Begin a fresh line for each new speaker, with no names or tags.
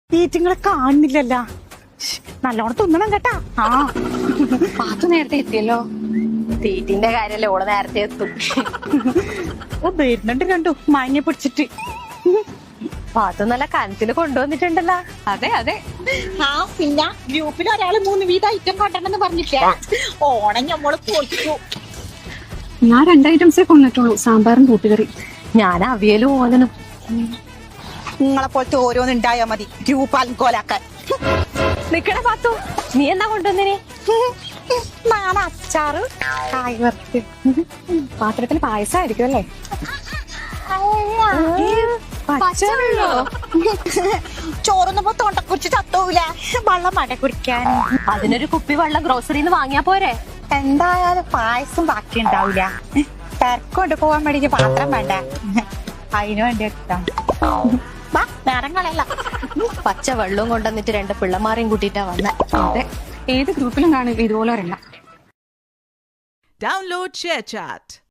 ഈറ്റിങ്ങളെ കാണുന്നില്ലല്ല. നല്ലോണം തിന്നണം കേട്ടാ. ആ
പാത്തു നേരത്തെ എത്തിയല്ലോ. തീറ്റിന്റെ കാര്യല്ലേ, ഓള് നേരത്തെ എത്തും.
വരുന്നുണ്ട് കണ്ടു മാങ്ങ പിടിച്ചിട്ട്.
പാത്തു നല്ല കനത്തില് കൊണ്ടുവന്നിട്ടുണ്ടല്ലോ.
അതെ അതെ.
ആ പിന്നെ ഗ്രൂപ്പിൽ ഒരാള് 3 വീതം ഐറ്റം കൊണ്ടുവന്നെന്ന് പറഞ്ഞിട്ടേ ഓണം ഞമ്മള് പൊളിച്ചു.
ഞാൻ 2 ഐറ്റംസേ കൊണ്ടിട്ടുള്ളൂ, സാമ്പാറും കൂട്ടുകറി.
ഞാൻ അവിയലും ഓലനും.
നിങ്ങളെ പോലത്തെ ഓരോന്നുണ്ടായാ മതി ഗ്രൂപ്പ് അൽക്കോലാക്കാൻ.
നിക്കണ പാത്തു, നീ എന്നാ കൊണ്ടുവന്നിനി?
നാളെ അച്ചാറ് കായ് വറുത്ത്.
പാത്രത്തിൽ പായസമായിരിക്കും അല്ലേ?
പച്ചവെള്ളോ?
ചോറുന്നപ്പോ തൊണ്ടക്കുറിച്ച് ചത്തോവില്ല. വെള്ളം മട കുടിക്കാൻ.
അതിനൊരു കുപ്പി വെള്ളം ഗ്രോസറിന്ന് വാങ്ങിയാ പോരെ?
എന്തായാലും പായസം ബാക്കി ഉണ്ടാവില്ല. തിരക്കൊണ്ട് പോവാൻ വേണ്ടി പാത്രം വേണ്ട. അതിനു വേണ്ടി എടുത്താ നേരങ്ങളല്ല.
പച്ച വെള്ളവും കൊണ്ടുവന്നിട്ട് 2 പിള്ളമാരെയും കൂട്ടിയിട്ടാ വന്ന.
അതെ, ഏത് ഗ്രൂപ്പിലും കാണും ഇതുപോലെ ഒരെണ്ണം.
Download ShareChat.